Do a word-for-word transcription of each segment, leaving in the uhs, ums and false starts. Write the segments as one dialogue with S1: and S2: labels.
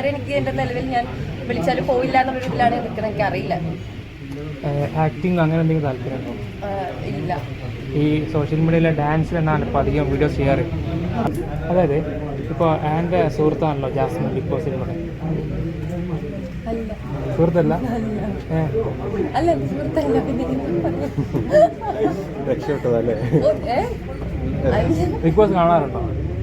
S1: ഇതുവരെ എനിക്ക് എൻ്റെ നിലവിൽ ഞാൻ വിളിച്ചാലും പോയില്ല എന്നുള്ളൊരു ഇതിലാണ് നിൽക്കുന്നത്. എനിക്ക് അറിയില്ല.
S2: ആക്ടിങ് അങ്ങനെ എന്തെങ്കിലും താല്പര്യമുണ്ടോ?
S1: ഇല്ല.
S2: ഈ സോഷ്യൽ മീഡിയയിലെ ഡാൻസിൽ എന്നാണ് ഇപ്പോൾ അധികം വീഡിയോസ് ചെയ്യാറ്. അതായത് ഇപ്പോൾ എൻ്റെ സുഹൃത്താണല്ലോ ജാസ്മിൻ ബിഗ് ബോസിലൂടെ. സുഹൃത്തല്ല?
S1: അല്ല സുഹൃത്തല്ല.
S2: ബിഗ് ബോസ് കാണാറുണ്ടോ?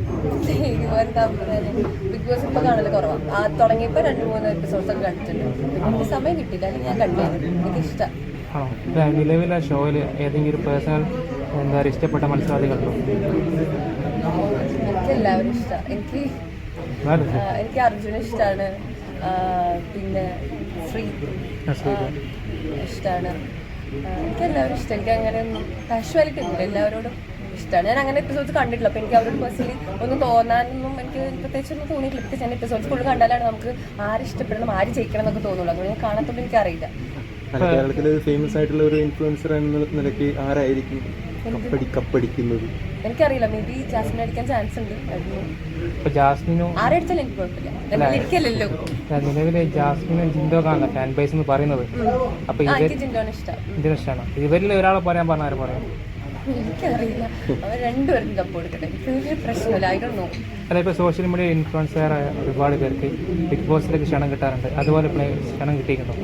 S1: ബിഗ് ബോസ് ഇപ്പൊ കാണല് കുറവാണ്. ആ തുടങ്ങിയപ്പോ രണ്ട് മൂന്ന് എപ്പിസോഡ്സ് ഒക്കെ കണ്ടിട്ടുണ്ട്. എനിക്ക് സമയം കിട്ടില്ല, അല്ലെങ്കിൽ ഞാൻ കണ്ടു. എനിക്ക് ഇഷ്ടം.
S2: ആണോ? നിലവിലെ ഷോയിൽ ഏതെങ്കിലും ഒരു പേഴ്സണൽ എന്താ പറയുക ഇഷ്ടപ്പെട്ട മത്സരാർത്ഥികളുണ്ടോ?
S1: എനിക്ക് എല്ലാവരും ഇഷ്ടം. എനിക്ക് എനിക്ക് അർജുന ഇഷ്ടമാണ്, പിന്നെ ശ്രീ ഇഷ്ടമാണ്. എനിക്ക് എല്ലാവരും ഇഷ്ടം. എനിക്ക് അങ്ങനെ ഒന്നും കാഷ്വാലിറ്റി ഒന്നുമില്ല, എല്ലാവരോടും ഇഷ്ടമാണ്. ഞാൻ അങ്ങനെ എപ്പിസോഡ്സ് കണ്ടിട്ടില്ല. അപ്പോൾ എനിക്ക് അവരോട് പേഴ്സണലി ഒന്നും തോന്നാനൊന്നും എനിക്ക് പ്രത്യേകിച്ചൊന്നും തോന്നിയിട്ടില്ല. ഞാൻ എപ്പിസോഡ്സ് കൂടുതൽ കണ്ടാലാണ് നമുക്ക് ആര് ഇഷ്ടപ്പെടണം ആര് ജയിക്കണം എന്നൊക്കെ തോന്നുള്ളൂ. അതുകൊണ്ട് ഞാൻ കാണാത്തോണ്ട് എനിക്കറിയില്ല.
S3: കേരളത്തിൽ ഫേമസ് ആയിട്ടുള്ള ഒരു ഇൻഫ്ലുവൻസർ എന്ന നിലയ്ക്ക് ആരായിരിക്കും കപ്പടിക്കുന്നത്?
S1: എനിക്കറിയില്ല. മേ ബി ജാസ്മിൻ അടിക്കാൻ ചാൻസ് ഉണ്ട്.
S2: ജാസ്മിനോ
S1: ആരടിച്ചാലും എനിക്ക് കുഴപ്പമില്ല. എനിക്കല്ലല്ലോ.
S2: നിലവിലെ ജാസ്മിനും ജിൻഡോക്കാണ് ഫാൻ ബേസ് എന്ന് പറയുന്നത്. അപ്പൊ
S1: എനിക്ക് ജിൻഡോനെ ഇഷ്ടം.
S2: ജിൻഡോ ഇഷ്ടമാണ്. ഇവരിൽ ഒരാളെ പറയാൻ പറഞ്ഞ ആരും പറയാം?
S1: എനിക്കറിയില്ല. അവർ രണ്ടുപേരും കപ്പ് കൊടുക്കട്ടെ. എനിക്ക് പ്രശ്നമില്ല. I don't know.
S2: അല്ല, ഇപ്പോൾ സോഷ്യൽ മീഡിയ ഇൻഫ്ലുവൻസറായ ഒരുപാട് പേർക്ക് ബിഗ് ബോസിലേക്ക് ക്ഷണം കിട്ടാറുണ്ട്. അതുപോലെ ക്ഷണം കിട്ടിയിട്ടുണ്ടോ?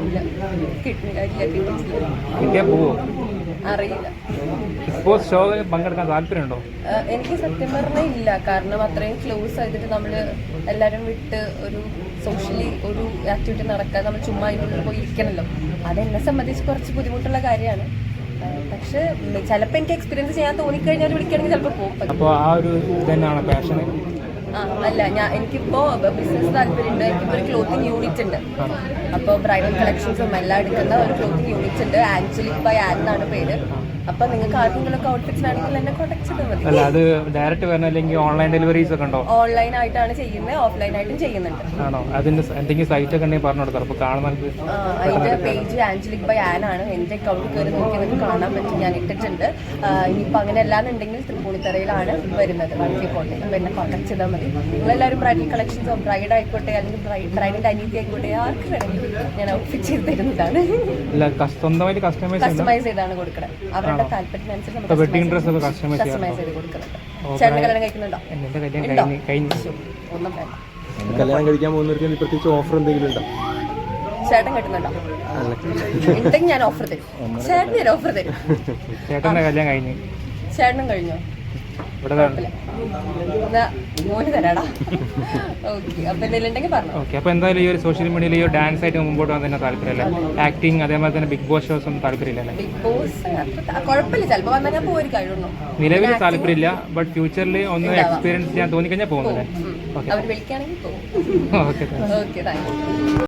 S2: കിട്ടിയാൽ പോവോ?
S1: അറിയില്ല.
S2: ബിഗ് ബോസ് ഷോ പങ്കെടുക്കാൻ താല്പര്യമുണ്ടോ?
S1: എനിക്ക് സത്യം പറഞ്ഞാൽ ഇല്ല. കാരണം അത്രയും ക്ലോസ് ആയിട്ട് നമ്മൾ എല്ലാവരും വിട്ട് ഒരു സോഷ്യലി ഒരു ആക്ടിവിറ്റി നടക്കാൻ നമ്മൾ ചുമ്മാ അതിനുള്ളിൽ പോയി ഇരിക്കണമല്ലോ. അതെന്നെ സംബന്ധിച്ച് കുറച്ച് ബുദ്ധിമുട്ടുള്ള കാര്യമാണ്. പക്ഷെ ചിലപ്പോൾ എനിക്ക് എക്സ്പീരിയൻസ് ചെയ്യാൻ തോന്നിക്കഴിഞ്ഞാൽ വിളിക്കുകയാണെങ്കിൽ ചിലപ്പോൾ പോകും.
S2: അപ്പോൾ ആ ഒരു ഇതന്നെയാണ് പാഷൻ?
S1: ആ അല്ല, ഞാൻ എനിക്കിപ്പോൾ ബിസിനസ് താല്പര്യമുണ്ട്. എനിക്കിപ്പോൾ ഒരു ക്ലോത്തിങ് യൂണിറ്റ് ഉണ്ട്. അപ്പോൾ ബ്രൈഡൽ കളക്ഷൻസും എല്ലാം എടുക്കുന്ന ഒരു ക്ലോത്തിങ് യൂണിറ്റ് ഉണ്ട്. ആഞ്ചലിക് ബൈ ആൻ എന്നാണ് പേര്. അപ്പോൾ നിങ്ങൾക്ക് ആർക്കെങ്കിലൊക്കെ ഔട്ട്ഫിറ്റ്സിനാണെങ്കിൽ എന്നെ കോൺടാക്ട് ചെയ്താൽ മതി.
S2: അല്ല, അത് ഡയറക്റ്റ് വരണം അല്ലെങ്കിൽ ഓൺലൈൻ ഡെലിവറീസ് ഒക്കെ ഉണ്ടോ?
S1: ഓൺലൈൻ ആയിട്ടാണ് ചെയ്യുന്നത്, ഓഫ്ലൈൻ ആയിട്ടും ചെയ്യുന്നുണ്ട്.
S2: ആണോ? അതിന്റെ എന്തെങ്കിലും സൈറ്റ് ഒക്കെ ഉണ്ടെങ്കിൽ പറഞ്ഞു കൊടുക്കാം. അപ്പോൾ കാണുന്നത്
S1: അതിന്റെ പേജ് ആഞ്ചലിക് ബൈ ആൻ ആണ്. എൻ്റെ അക്കൗണ്ടിൽ കയറി നോക്കി നിങ്ങൾക്ക് കാണാൻ പറ്റും. ഞാൻ ഇട്ടിട്ടുണ്ട്. ഇനിയിപ്പോൾ അങ്ങനെ അല്ലാന്നുണ്ടെങ്കിൽ തൃപ്പൂണിത്തറയിലാണ് വരുന്നത് വണ്ടി കോട്ടെ. അപ്പോൾ എന്നെ കോൺടാക്ട് ചെയ്താൽ മതി. നിങ്ങളെല്ലാവരും ബ്രൈഡൽ കളക്ഷൻസോ ബ്രൈഡ് ആയിക്കോട്ടെ അല്ലെങ്കിൽ ബ്രൈഡിന്റെ അനീതി ആയിക്കോട്ടെ ആർക്ക് വേണമെങ്കിലും ഞാൻ ഔട്ട്ഫിറ്റ് ചെയ്ത് തരുന്നതാണ്. കസ്റ്റമൈസ് ചെയ്താണ് കൊടുക്കുന്നത്. അവരുടെ താല്പര്യത്തിനനുസരിച്ച് വെഡിങ് ഡ്രസ് ഒക്കെ കസ്റ്റമൈസ് ചെയ്ത് കൊടുക്കുന്നുണ്ട്. ചേട്ടൻ കല്യാണം കഴിക്കുന്നുണ്ടോ? ഒന്നും വേണ്ട.
S3: കല്യാണം കഴിക്കാൻ പോകുന്നവർക്ക് പ്രത്യേകിച്ച് ഓഫർ എന്തെങ്കിലും ഉണ്ടോ?
S1: ചേട്ടൻ കിട്ടുന്നുണ്ടോ? ഉണ്ടെങ്കിൽ ഞാൻ ഓഫർ തരും. ചേട്ടൻ ഞാൻ ഓഫർ തരും.
S2: ചേട്ടന്റെ കല്യാണം കഴിഞ്ഞു.
S1: ചേട്ടനും കഴിഞ്ഞോ? മോന് തരാടാ. ഓക്കെ. അപ്പൊ എന്തെങ്കിലും ഉണ്ടെങ്കിൽ പറഞ്ഞു.
S2: ഓക്കെ. അപ്പൊ എന്തായാലും ഈ ഒരു സോഷ്യൽ മീഡിയയിൽ ഈ ഒരു ഡാൻസ് ആയിട്ട് മുമ്പോട്ട് വന്നതിന് താല്പര്യമല്ലേ? ആക്ടിങ് അതേപോലെ തന്നെ ബിഗ് ബോസ് ഷോസ് ഒന്നും താല്പര്യമില്ലല്ലേ?
S1: ബിഗ് ബോസ് കുഴപ്പമില്ല. ചിലപ്പോൾ വന്നാൽ ഞാൻ പോയി കഴിയുന്നു.
S2: നിലവിൽ താല്പര്യമില്ല. ബട്ട് ഫ്യൂച്ചറിൽ ഒന്ന് എക്സ്പീരിയൻസ് ചെയ്യാൻ തോന്നിക്കഴിഞ്ഞാൽ പോകുന്നത്.
S1: അവർ വിളിക്കുകയാണെങ്കിൽ പോകും.
S2: ഓക്കെ.
S1: Okay, thank U.